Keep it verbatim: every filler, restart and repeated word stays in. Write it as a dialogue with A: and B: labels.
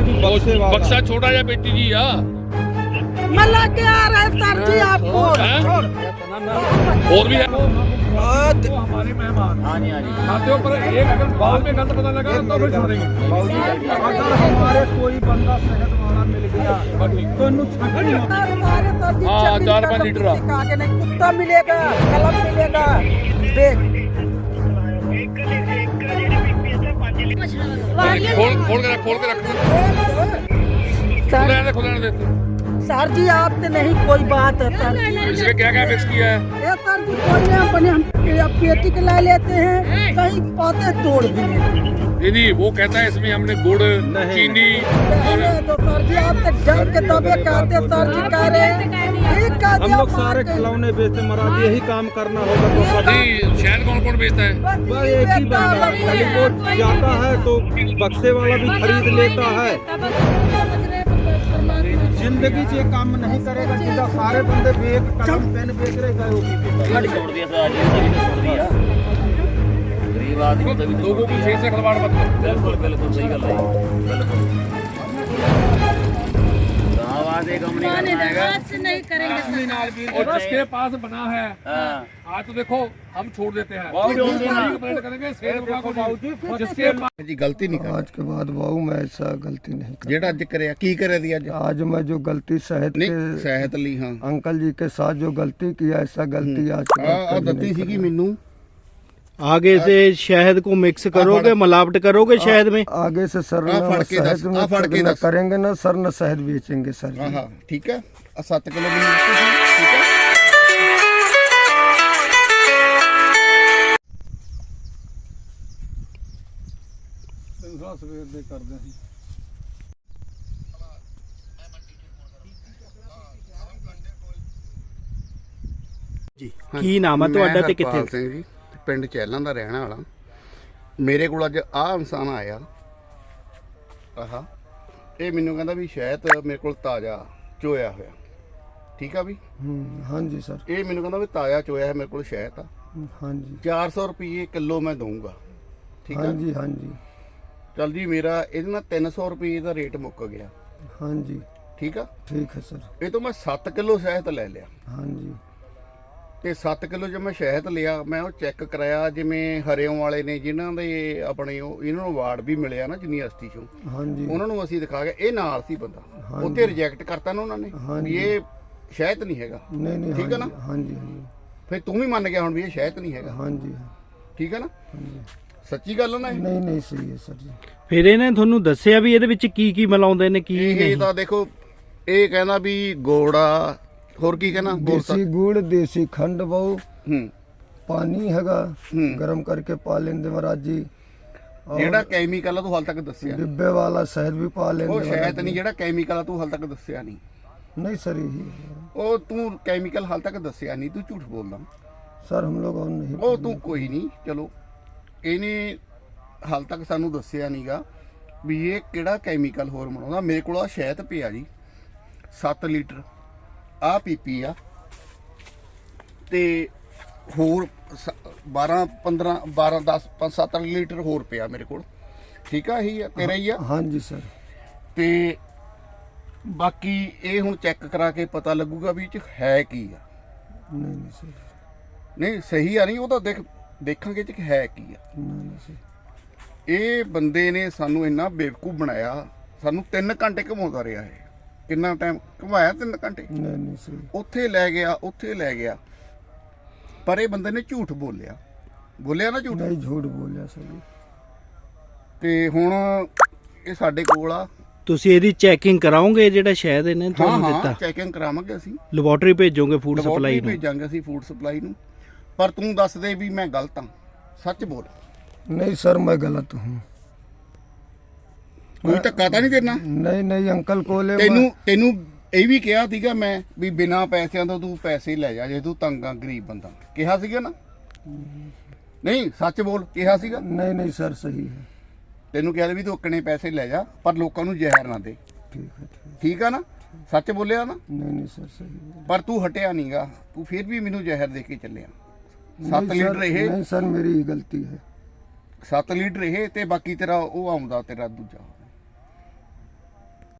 A: बक्सा छोटा या बेटी जी या
B: मैं लेके आ रहा है सर जी आपको।
A: और भी है हमारे मेहमान। हाँ जी हाँ जी खाते पर एक अगर बाद में गलत पता लगा तो फिर छोड़ेंगे।
C: अगर हमारे कोई बंदा सेहत वाला मिल गया तो
A: हाँ चार पाँच लीटर
B: कुत्ता मिलेगा, कलम मिलेगा, देख
A: खोल खोल के रख खोल के रख खुले खुले देते।
B: सर जी आपसे नहीं कोई बात है सर।
A: इसमें क्या क्या मिक्स किया है?
B: ये सर जी कोई नहीं, अपने हम पेटी के ला लेते हैं, कहीं पाते तोड़ भी लेते हैं।
A: नहीं वो कहता है इसमें हमने गुड़ चीनी
B: तो सर जी आपसे डर के तबे कहते सर जी कह रहे हैं
C: हम लोग सारे खिलौने बेचते महाराज, यही काम करना होगा तो
A: जी। शहद कौन कौन बेचता है?
C: बस एक ही बंदा खाली वो जाता है तो बक्से वाला भी खरीद लेता है। जिंदगी से काम नहीं करेगा जिधर सारे बंदे बेग कलम पेन बेच रहे गए
D: छोड़ दिया सर, छोड़ दिया गरीब आदमी तभी तो
A: लोगों की सही से खिलवाड़ मत करो।
D: बिल्कुल बिल्कुल सही गल है बिल्कुल। आवाज एक हम नहीं करेगा
B: नहीं करेंगे
A: और जिसके पास बना है
D: हां
A: आज तो देखो हम छोड़ देते हैं
E: जिसके जी गलती नहीं कर
F: आज के बाद बाबू मैं ऐसा गलती नहीं कर
E: जेड़ा अज करे की करे दी अज
F: आज मैं जो गलती शहद
E: नहीं
F: के
E: सेहत ली हाँ
F: अंकल जी के साथ जो गलती किया ऐसा गलती आज के बाद
E: आ
F: कभी
E: दत्ती
F: नहीं
E: सीगी मैनू
C: आगे से शहद को मिक्स करोगे, मिलावट करोगे शहद में।
F: आगे से सर
E: आ
F: न
E: फड़ के
F: शहद
E: दस,
F: में
E: आ फड़ के
F: न
E: दस।
F: करेंगे ना सर न शहद बेचेंगे सर
E: हाँ
F: जी।
E: हाँ ठीक है आ सत्त किलो मैनू ठीक है।
C: सवेर दे करदे सी ਕੀ ਨਾਮ ਹੈ ਤੁਹਾਡਾ ਤੇ ਕਿੱਥੇ?
E: ਹਰਪਾਲ ਸਿੰਘ ਜੀ ਪਿੰਡ ਚੈਲਾਂ ਦਾ ਰਹਿਣ ਵਾਲਾ। ਮੇਰੇ ਕੋਲ ਅੱਜ ਆਹ ਇਨਸਾਨ ਆਇਆ ਆਹਾ ਇਹ ਮੈਨੂੰ ਕਹਿੰਦਾ ਵੀ ਸ਼ਹਿਦ ਮੇਰੇ ਕੋਲ ਤਾਜ਼ਾ ਚੋਇਆ ਹੋਇਆ ਠੀਕ ਆ ਵੀ
F: हम्म, हाँ जी सर।
E: ਇਹ ਮੈਨੂੰ ਕਹਿੰਦਾ ਵੀ ਤਾਜ਼ਾ ਚੋਇਆ ਹੈ ਮੇਰੇ ਕੋਲ ਸ਼ਹਿਦ ਆ
F: हाँ जी
E: ਚਾਰ ਸੌ ਰੁਪਏ ਕਿਲੋ ਮੈਂ ਦਊਂਗਾ ਠੀਕ
F: हाँ
E: ਆ
F: जी हाँ जी
E: ਚੱਲ ਜੀ ਮੇਰਾ ਇਹਦੇ ਨਾਲ ਤਿੰਨ ਸੌ ਰੁਪਏ ਦਾ ਰੇਟ ਮੁੱਕ ਗਿਆ
F: हाँ जी
E: ਠੀਕ ਆ।
F: ठीक है सर।
E: ਇਹ ਤੋਂ ਮੈਂ ਸੱਤ ਕਿਲੋ ਸ਼ਹਿਦ ਲੈ ਲਿਆ
F: हाँ जी
E: ਤੇ ਸੱਤ ਕਿਲੋ ਜੇ ਮੈਂ ਸ਼ਹਿਦ ਲਿਆ ਮੈਂ ਉਹ ਚੈੱਕ ਕਰਾਇਆ ਜਿਵੇਂ ਹਰਿਓਂ ਵਾਲੇ ਨੇ ਜਿਨ੍ਹਾਂ ਦੇ ਆਪਣੇ ਉਹ ਇਹਨਾਂ ਨੂੰ ਅਵਾਰਡ ਵੀ ਮਿਲਿਆ ਨਾ ਯੂਨੀਵਰਸਿਟੀ ਚੋਂ
F: हाँ जी
E: ਉਹਨਾਂ ਨੂੰ ਅਸੀਂ ਦਿਖਾ ਕੇ ਇਹ ਨਾਲ ਸੀ ਬੰਦਾ
F: ਹਾਂਜੀ।
E: ਉੱਥੇ ਰਿਜੈਕਟ ਕਰਤਾ ਨਾ ਉਹਨਾਂ ਨੇ
F: ਹਾਂਜੀ।
E: ਵੀ ਇਹ ਸ਼ਹਿਦ ਨਹੀਂ ਹੈਗਾ
F: नहीं नहीं
E: ठीक है
F: हाँ
E: ना?
F: जी हाँ जी हाँ जी
E: ਫਿਰ ਤੂੰ ਵੀ ਮੰਨ ਗਿਆ ਹੁਣ ਵੀ ਇਹ ਸ਼ਹਿਦ ਨਹੀਂ ਹੈਗਾ
F: हाँ जी
E: ਠੀਕ ਹੈ ਨਾ ਸੱਚੀ ਗੱਲ ਆ ਨਾ ਇਹ?
F: नहीं नहीं सही है सर जी।
C: ਫਿਰ ਇਹਨੇ ਤੁਹਾਨੂੰ ਦੱਸਿਆ ਵੀ ਇਹਦੇ ਵਿੱਚ ਕੀ ਕੀ ਮਿਲਾਉਂਦੇ ਨੇ ਕੀ
E: ਇਹ
C: ਨਹੀਂ।
E: ਤਾਂ ਦੇਖੋ ਇਹ ਕਹਿੰਦਾ ਵੀ ਗੋੜਾ ਹੋਰ ਕੀ ਕਹਿੰਦਾ ਬੋਲ
F: देसी गुड़ देसी खंड बहु
E: ਹੂੰ
F: पानी हैगा
E: हम्म।
F: गरम करके पा लेंगे महाराज जी। और
E: ਜਿਹੜਾ ਕੈਮੀਕਲ ਆ ਤੂੰ ਹਾਲ ਤੱਕ ਦੱਸਿਆ ਨੀ।
F: डिब्बे वाला शहद भी पा लेंगे
E: ਉਹ
F: महाराज
E: ਸ਼ਹਿਦ
F: जी।
E: ਨਹੀਂ ਜਿਹੜਾ ਕੈਮੀਕਲ ਆ ਤੂੰ ਹਾਲ ਤੱਕ ਦੱਸਿਆ ਨਹੀਂ
F: नहीं सर यही है।
E: ਉਹ ਤੂੰ ਕੈਮੀਕਲ ਹਾਲ ਤੱਕ ਦੱਸਿਆ ਨਹੀਂ ਤੂੰ ਝੂਠ ਬੋਲਦਾ
F: सर हम लोग और नहीं
E: ਉਹ ਤੂੰ ਕੋਈ ਨਹੀਂ ਚਲੋ ਇਹਨੇ ਹਾਲ ਤੱਕ ਸਾਨੂੰ ਦੱਸਿਆ ਨਹੀਂਗਾ ਵੀ ਇਹ ਕਿਹੜਾ ਕੈਮੀਕਲ ਹੋਰ ਬਣਾਉਂਦਾ। ਮੇਰੇ ਕੋਲ ਆ ਸ਼ਹਿਦ ਪਿਆ ਜੀ ਸੱਤ ਲੀਟਰ ਆ ਪੀਪੀ ਆ ਤੇ ਹੋਰ ਬਾਰਾਂ ਪੰਦਰਾਂ ਬਾਰਾਂ ਦਸ ਪੰਜ ਸੱਤ ਲੀਟਰ ਹੋਰ ਪਿਆ ਮੇਰੇ ਕੋਲ ਠੀਕ ਆ। ਇਹੀ ਆ ਤੇਰਾ ਹੀ ਆ
F: हाँ जी सर।
E: ਤੇ ਬਾਕੀ ਇਹ ਹੁਣ ਚੈੱਕ ਕਰਾ ਕੇ ਪਤਾ ਲੱਗੂਗਾ ਵੀ ਇਹ ਚ ਹੈ ਕੀ ਆ।
F: नहीं नहीं सर
E: ਨਹੀਂ ਸਹੀ ਆ ਨਹੀਂ ਉਹ ਤਾਂ ਦੇਖ ਦੇਖਾਂਗੇ ਇਹ ਚ ਹੈ ਕੀ ਆ।
F: नहीं नहीं सर।
E: ਇਹ ਬੰਦੇ ਨੇ ਸਾਨੂੰ ਇੰਨਾ ਬੇਵਕੂਫ ਬਣਾਇਆ ਸਾਨੂੰ ਤਿੰਨ ਘੰਟੇ ਘੁਮਾਉਂਦਾ ਰਿਹਾ ਇਹ ਕਿੰਨਾ ਟਾਈਮ ਘੁਮਾਇਆ ਤਿੰਨ ਘੰਟੇ
F: नहीं नहीं सर।
E: ਉੱਥੇ ਲੈ ਗਿਆ ਉੱਥੇ ਲੈ ਗਿਆ ਪਰ ਇਹ ਬੰਦੇ ਨੇ ਝੂਠ ਬੋਲਿਆ ਬੋਲਿਆ ਨਾ ਝੂਠ
F: नहीं झूठ बोलिया सर जी।
E: ਤੇ ਹੁਣ ਇਹ ਸਾਡੇ ਕੋਲ ਆ।
C: ਤੁਸੀਂ ਇਹਦੀ ਚੈਕਿੰਗ ਕਰਾਓਗੇ ਜਿਹੜਾ ਸ਼ਹਿਦ ਇਹਨੇ
E: ਹਾਂ
C: ਤੁਹਾਨੂੰ
E: ਹਾਂ
C: ਦਿੱਤਾ?
E: ਚੈਕਿੰਗ ਕਰਾਵਾਂਗੇ ਅਸੀਂ
C: ਲੈਬੋਰੇਟਰੀ ਭੇਜੋਗੇ ਫੂਡ
E: ਲੈਬੋਰਟਰੀ
C: ਸਪਲਾਈ ਨੂੰ?
E: ਭੇਜਾਂਗੇ ਅਸੀਂ ਫੂਡ ਸਪਲਾਈ ਨੂੰ ਪਰ ਤੂੰ ਦੱਸ ਦੇ ਵੀ ਮੈਂ ਗਲਤ ਹਾਂ ਸੱਚ ਬੋਲ
F: नहीं सर मैं गलत हूँ।
E: ਕੋਈ ਧੱਕਾ ਤਾਂ ਨਹੀਂ ਦੇਣਾ।
F: नहीं नहीं अंकल को ले
E: ਤੈਨੂੰ ਤੈਨੂੰ ਇਹ ਵੀ ਕਿਹਾ ਸੀਗਾ ਮੈਂ ਵੀ ਬਿਨਾਂ ਪੈਸਿਆਂ ਤੋਂ ਤੂੰ ਪੈਸੇ ਲੈ ਜਾ ਜੇ ਤੂੰ ਤੰਗ ਆ ਗਰੀਬ ਬੰਦਾ ਕਿਹਾ ਸੀਗਾ ਨਾ ਨਹੀਂ ਸੱਚ ਬੋਲ ਕਿਹਾ ਸੀਗਾ।
F: नहीं नहीं सर सही है।
E: ਤੈਨੂੰ ਕਿਹਾ ਵੀ ਤੂੰ ਅੱਕਣੇ ਪੈਸੇ ਲੈ ਜਾ ਪਰ ਲੋਕਾਂ ਨੂੰ ਜ਼ਹਿਰ ਨਾ ਦੇ
F: ठीक है ठीक है।
E: ਠੀਕ ਆ ਨਾ ਸੱਚ ਬੋਲਿਆ ਨਾ
F: नहीं नहीं सर सही है।
E: ਪਰ ਤੂੰ ਹਟਿਆ ਨਹੀਂਗਾ ਤੂੰ ਫਿਰ ਵੀ ਮੈਨੂੰ ਜ਼ਹਿਰ ਦੇ ਕੇ ਚੱਲਿਆ।
F: नहीं
E: ਸੱਤ
F: सर,
E: ਲੀਟਰ ਇਹ
F: नहीं सर मेरी ही गलती है।
E: ਸੱਤ ਲੀਟਰ ਇਹ ਤੇ ਬਾਕੀ ਤੇਰਾ ਉਹ ਆਉਂਦਾ ਤੇਰਾ ਦੂਜਾ